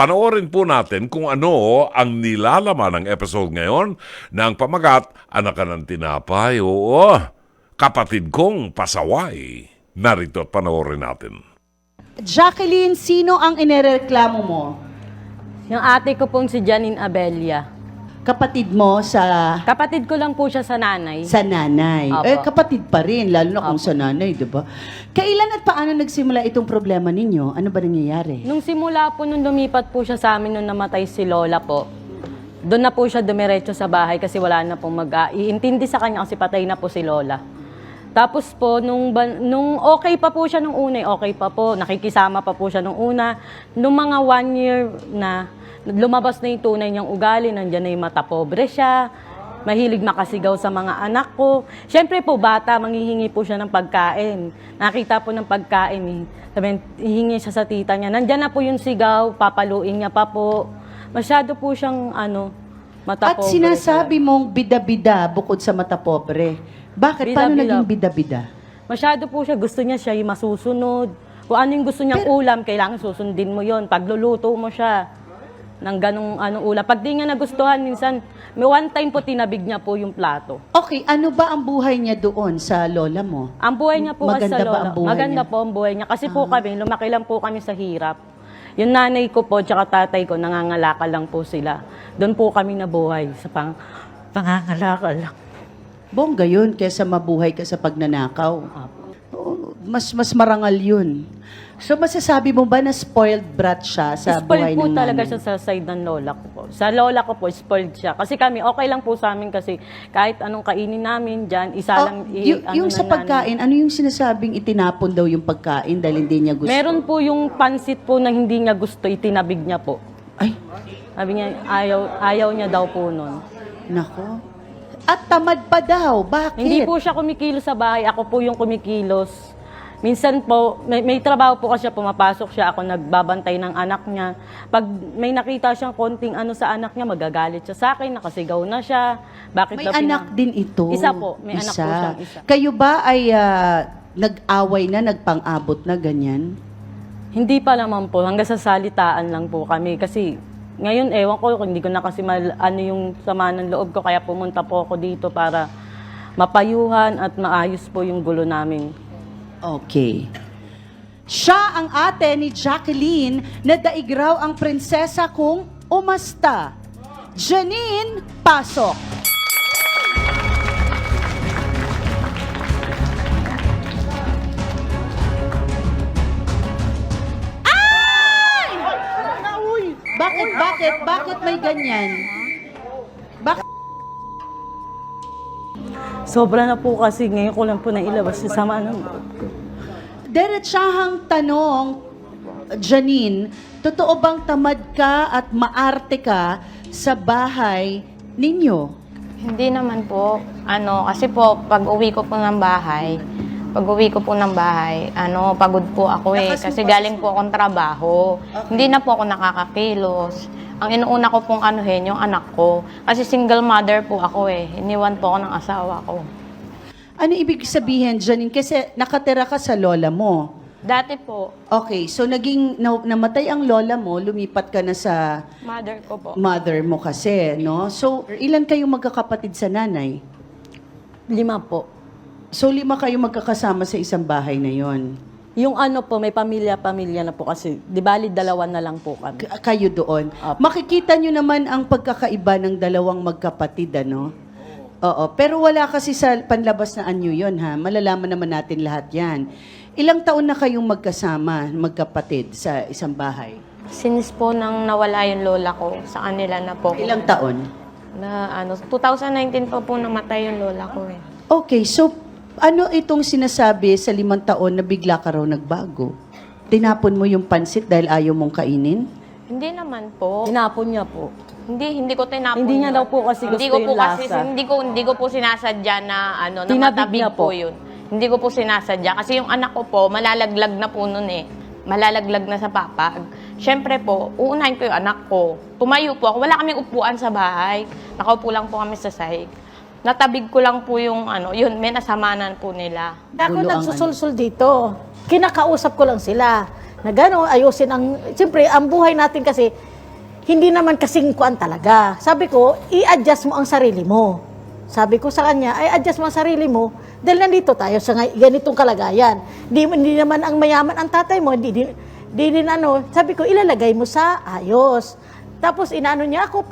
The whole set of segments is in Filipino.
Panoorin po natin kung ano ang nilalaman ng episode ngayon ng pamagat Anak Ka ng Tinapay. Oo, kapatid kong pasaway. Narito at panoorin natin. Jacqueline, sino ang inireklamo mo? Yung ate ko pong si Janine Abelia. Kapatid mo sa Kapatid ko lang po siya sa nanay. nanay. Opo. Eh, kapatid pa rin, lalo na kung Opo. sa nanay, di ba? Kailan at paano nagsimula itong problema ninyo? Ano ba nangyayari? Nung simula po, nung lumipat po siya sa amin nung namatay si Lola po, doon na po siya dumiretso sa bahay kasi wala na pong mag-iintindi sa kanya kasi patay na po si Lola. Tapos po, nung okay pa po siya nung una, okay pa po, nakikisama pa po siya nung una. Nung mga 1 year na, lumabas na yung tunay niyang ugali, nandiyan na yung mata pobre siya, mahilig makasigaw sa mga anak ko. Siyempre po, bata, manghihingi po siya ng pagkain. Nakita po ng pagkain, sabi, hihingi siya sa tita niya. Nandiyan na po yung sigaw, papaluin niya pa po. Masyado po siyang, mata At pobre. sinasabi mong bida-bida bukod sa mata pobre. Bakit? Paano Bida-bida. naging bida-bida? Masyado po siya, gusto niya siya yung masusunod. Kung ano yung gusto niyang ulam, kailangan susundin mo yon. Pagluluto mo siya ng ganong ulam. Pag di niya nagustuhan, minsan, may one time po tinabig niya po yung plato. Okay, ano ba ang buhay niya doon sa lola mo? Ang buhay niya po kasi Maganda sa ba lola. ang buhay Maganda niya? po ang buhay niya. Kasi po kami, lumaki lang po kami sa hirap. Yung nanay ko po, tsaka tatay ko, nangangalakal lang po sila. Doon po kami nabuhay sa pangangalakal lang. Bongga yun, kesa mabuhay ka sa pagnanakaw. Oo, mas marangal yun. So masasabi mo ba na spoiled brat siya sa buhay Spoiled po ng talaga nanay? siya sa side ng lola ko po. Sa lola ko po, spoiled siya. Kasi kami, okay lang po sa amin kasi kahit anong kainin namin dyan, isa Oh, lang yung sa na namin. pagkain, ano yung sinasabing itinapon daw yung pagkain dahil hindi niya gusto? Meron po yung pansit po na hindi niya gusto, itinabig niya po. Ay, Sabi niya, ayaw niya daw po nun. nako. At tamad pa daw. Bakit? Hindi po siya kumikilos sa bahay, ako po yung kumikilos. Minsan po, may trabaho po kasi siya, pumapasok siya, ako nagbabantay ng anak niya. Pag may nakita siyang konting sa anak niya, magagalit siya sa akin, nakasigaw na siya. Bakit May daw anak din ito. Isa po, may anak po siyang isa. Kayo ba ay nag-away na, nagpang-abot na ganyan? Hindi pa naman po, hanggang sa salitaan lang po kami. Kasi ngayon, ewan ko, hindi ko na kasi yung sama ng loob ko, kaya pumunta po ako dito para mapayuhan at maayos po yung gulo namin. Okay. Siya ang ate ni Jacqueline na daig raw ang prinsesa kung umasta. Janine, pasok. Ay! Bakit may ganyan? Bakit? Sobra na po kasi ngayon ko lang po nailabas yung sama ng loob ko. Diretsahang tanong, Janine, totoo bang tamad ka at maarte ka sa bahay ninyo? Hindi naman po. Kasi po, pag-uwi ko po ng bahay, pagod po ako eh. Kasi galing po akong trabaho. Hindi na po ako nakakakilos. Ang inuuna ko pong yung anak ko. Kasi single mother po ako eh. Iniwan po ako ng asawa ko. Ano ibig sabihin, Janine? Kasi nakatira ka sa lola mo. Dati po, Okay, so namatay ang lola mo, lumipat ka na sa mother ko po. mother mo kasi, no? So, ilan kayong magkakapatid sa nanay? 5 po. So, 5 kayong magkakasama sa isang bahay na yon. Yung po, may pamilya na po kasi. Di bali, 2 na lang po kami. Kayo doon. Apo. Makikita nyo naman ang pagkakaiba ng dalawang magkapatid, ano? Oo. Pero wala kasi sa panlabas na anyo yun, ha? Malalaman naman natin lahat yan. Ilang taon na kayong magkasama, magkapatid, sa isang bahay? Since po nang nawala yung lola ko, sa kanila na po. Ilang taon? 2019 pa po namatay yung lola ko eh. Okay, so ano itong sinasabi sa 5 taon na bigla ka raw nagbago? Tinapon mo yung pansit dahil ayaw mong kainin? Hindi naman po. Tinapon niya po. Hindi ko tinapon. Hindi niya yun. daw po kasi Hindi gusto ko po yung kasi lasa. hindi ko po sinasadya na na Tinabig matabig niya po po. yun. Hindi ko po sinasadya kasi yung anak ko po malalaglag na po noon eh. Malalaglag na sa papag. Siyempre po, uunahin ko yung anak ko. Tumayo po ako. Wala kaming upuan sa bahay. Nakaupo lang po kami sa sahig. Natabig ko lang po yung yun, may nasamanan po nila. Ako Gulo ang nagsusulsul dito. Kinakausap ko lang sila. Na gano'n, ayusin ang, siyempre, ang buhay natin kasi, hindi naman kasing kuan talaga. Sabi ko, i-adjust mo ang sarili mo. Sabi ko sa kanya, ay adjust mo ang sarili mo dahil nandito tayo sa ganitong kalagayan. Hindi naman ang mayaman ang tatay mo, di din ano, sabi ko, ilalagay mo sa ayos. Tapos inaano niya ako,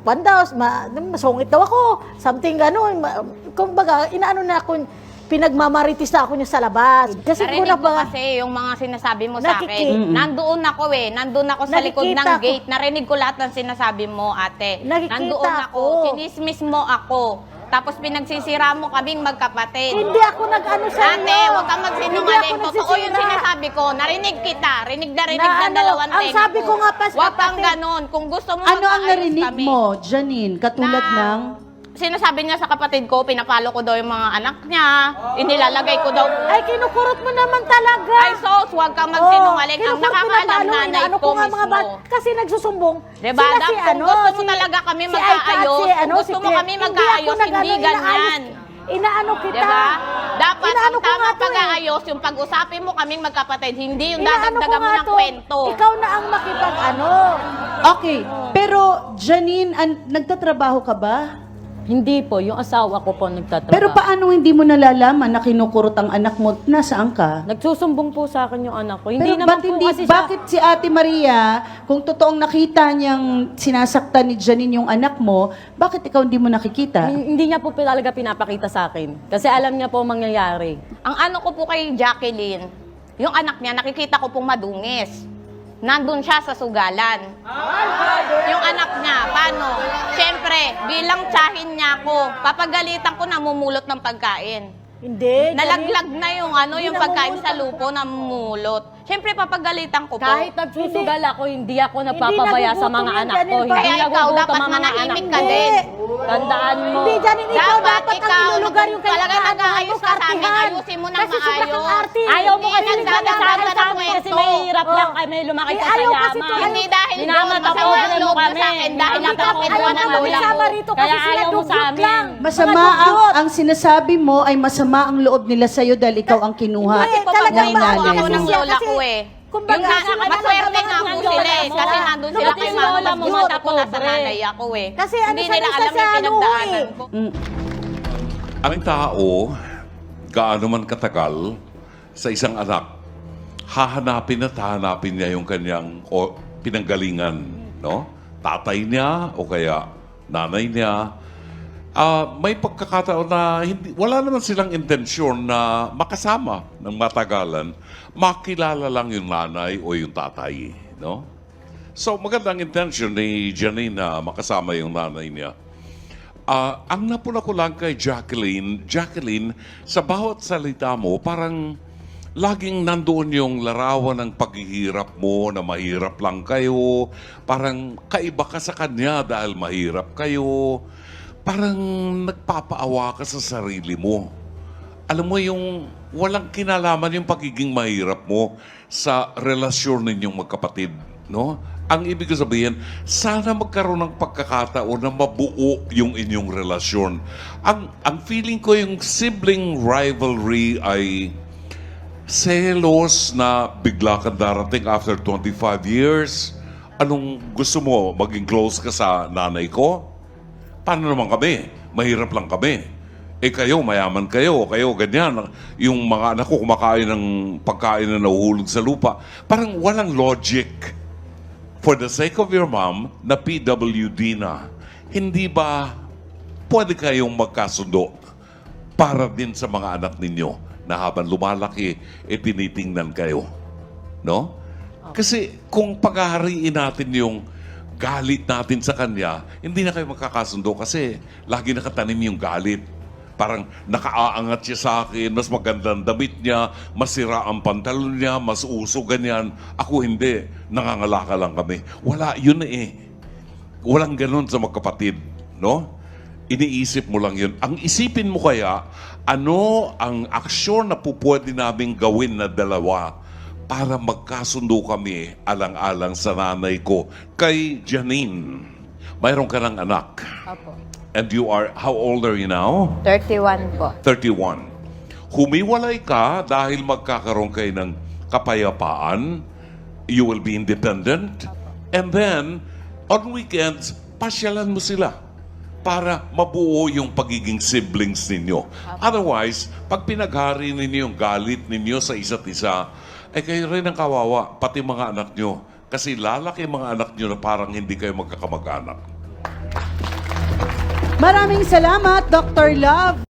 masungit daw ako, something gano'n. Kumbaga, inaano na ako, pinagmamaritis na ako niya sa labas. Kasi ko Narinig na ko ba, kasi yung mga sinasabi mo sa akin. Nakiki- Nandoon ako Nandun ako sa likod ng Nakikita ko. gate. Narinig ko lahat ng sinasabi mo, ate. Nakikita Nandoon ako. ko. Sinismis mo ako. Tapos pinagsisira mo kaming magkapatid. hindi ako nag-ano sa Ate, huwag kang magsinungaling. Hindi ako Totoo yung nagsisira. sinasabi ko. Narinig kita. Rinig na Na ano, dalawang ang tenga sabi ko nga pa sa Huwag kang kapatid. ganon. Kung gusto mo Ano ang magkaayos narinig kami. mo, Janine? Katulad ng... Sinasabi niya sa kapatid ko, pinapalo ko daw yung mga anak niya. Inilalagay ko daw. Ay, kinukurot mo naman talaga. Ay, sos, huwag kang magsinungaling. Ang kinukurot, nakakaalam pinapalo, nanay inaano ko nga mga mismo. kasi nagsusumbong. Diba? Sila Kung gusto mo talaga kami si Aika at magkaayos, kung gusto mo kami magkaayos, hindi ganyan. Inaano kita. Diba? Dapat Inaano ang ko nga tamang to eh. pag-aayos, yung pag-usapin mo kaming magkapatid, hindi yung Inaano ko dadagdagan mo nga ng to. kwento. Ikaw na ang makipag-ano. Okay, pero Janine, nagtatrabaho ka ba? Hindi po, yung asawa ko po nagtatrabaho. Pero paano hindi mo nalalaman na kinukurot ang anak mo? Nasaan ka? Nagsusumbong po sa akin yung anak ko. Hindi Pero naman ba't po hindi, kasi siya... bakit si Ate Maria, kung totoong nakita niyang sinasaktan ni Janine yung anak mo, bakit ikaw hindi mo nakikita? Hindi niya po talaga pinapakita sa akin. Kasi alam niya po ang mangyayari. Ang ano ko po kay Jacqueline, yung anak niya, nakikita ko pong madungis. Nandun siya sa sugalan. Yung anak niya, paano? Siyempre, bilang tsahin niya ako, papagalitan ko namumulot ng pagkain. Hindi. Nalaglag na yung ano, Hindi yung pagkain namumulot sa lupo, namumulot. Siyempre, papagalitan ko po. Kahit nagsusugal ako, hindi ako nagpapabaya sa mga nagugutom anak yan, ko. Janine. Hindi Kaya ikaw, nagugutom dapat ang mga anak manahimik ko. ka din. Tandaan mo. Hindi, Janine, ikaw dapat ang ilulugar yung talaga kailangan nag-aayos mo, ka sa amin, kartihan. ayusin mo ng Kasi sobra kang maayos. arte. Ayaw mo Hindi kasi nagdadagdag nagsasabi sa sa amin kasi kwento. mahirap lang Oh. kami lumaki Eh, sa ayaw kasi yaman. to, Hindi dahil doon, Minamataponan masama ang mo loob mo kami. sa akin dahil Hindi nakakita kami ng ayaw lola mo Sama ko. rito Kaya kasi sila ayaw mo sa dugyot amin. lang. Masama Mga dugyot. ang sinasabi mo ay masama ang loob nila sa'yo dahil ikaw ang kinuha Hindi, Kasi po, talagang ng paborito nanay ako ng mo. lola ko eh. Kumbaga, Yung maswerte nga po sila eh. Kasi nandun sila Pati kay si mama. lola mo, Bumata po nasa pobre. nanay ako eh. Kasi ano Hindi siya, nila nasa alam yung sa ano pinagdaanan eh. ko. Ang tao, gaano man katagal sa isang anak, hahanapin at hahanapin niya yung kanyang pinanggalingan, no? Tatay niya o kaya nanay niya. May pagkakataon na wala naman silang intensyon na makasama ng matagalan, makilala lang yung nanay o yung tatay, no? So magandang intention ni Janine na makasama yung nanay niya. Ang napuna ko lang kay Jacqueline, sa bawat salita mo, parang laging nandoon yung larawan ng paghihirap mo na mahirap lang kayo. Parang kaiba ka sa kanya dahil mahirap kayo. Parang nagpapaawa ka sa sarili mo. Alam mo yung walang kinalaman yung pagiging mahirap mo sa relasyon ninyong magkapatid, no? Ang ibig sabihin, sana magkaroon ng pagkakataon na mabuo yung inyong relasyon. Ang feeling ko yung sibling rivalry ay selos na bigla kang darating after 25 years. Anong gusto mo? Maging close ka sa nanay ko? Paano naman kami? Mahirap lang kami. Eh kayo, mayaman kayo ganyan. Yung mga anak ko kumakain ng pagkain na nahuhulog sa lupa. Parang walang logic. For the sake of your mom, na PWD na, hindi ba pwede kayong magkasundo para din sa mga anak ninyo na habang lumalaki, tinitingnan kayo? No? Kasi kung paghahariin natin yung galit natin sa kanya, hindi na kayo magkakasundo kasi lagi nakatanim yung galit. Parang nakaaangat siya sa akin, mas magandang damit niya, masira ang pantalon niya, mas uso, ganyan. Ako hindi, nangangalaka lang kami. Wala, yun eh. Walang ganun sa magkapatid, no? Iniisip mo lang yun. Ang isipin mo kaya, ano ang aksyon na pupwede naming gawin na dalawa para magkasundo kami alang-alang sa nanay ko. Kay Janine, mayroon ka ng anak. Apo. And you are, how old are you now? 31 po. 31. Humiwalay ka dahil magkakaroon kayo ng kapayapaan you will be independent. And then, on weekends, pasyalan mo sila para mabuo yung pagiging siblings ninyo. Otherwise, pag pinaghari ninyo yung galit ninyo sa isa't isa, eh kayo rin ang kawawa, pati mga anak nyo. Kasi lalaki mga anak nyo na parang hindi kayo magkakamag-anak. Maraming salamat, Dr. Love.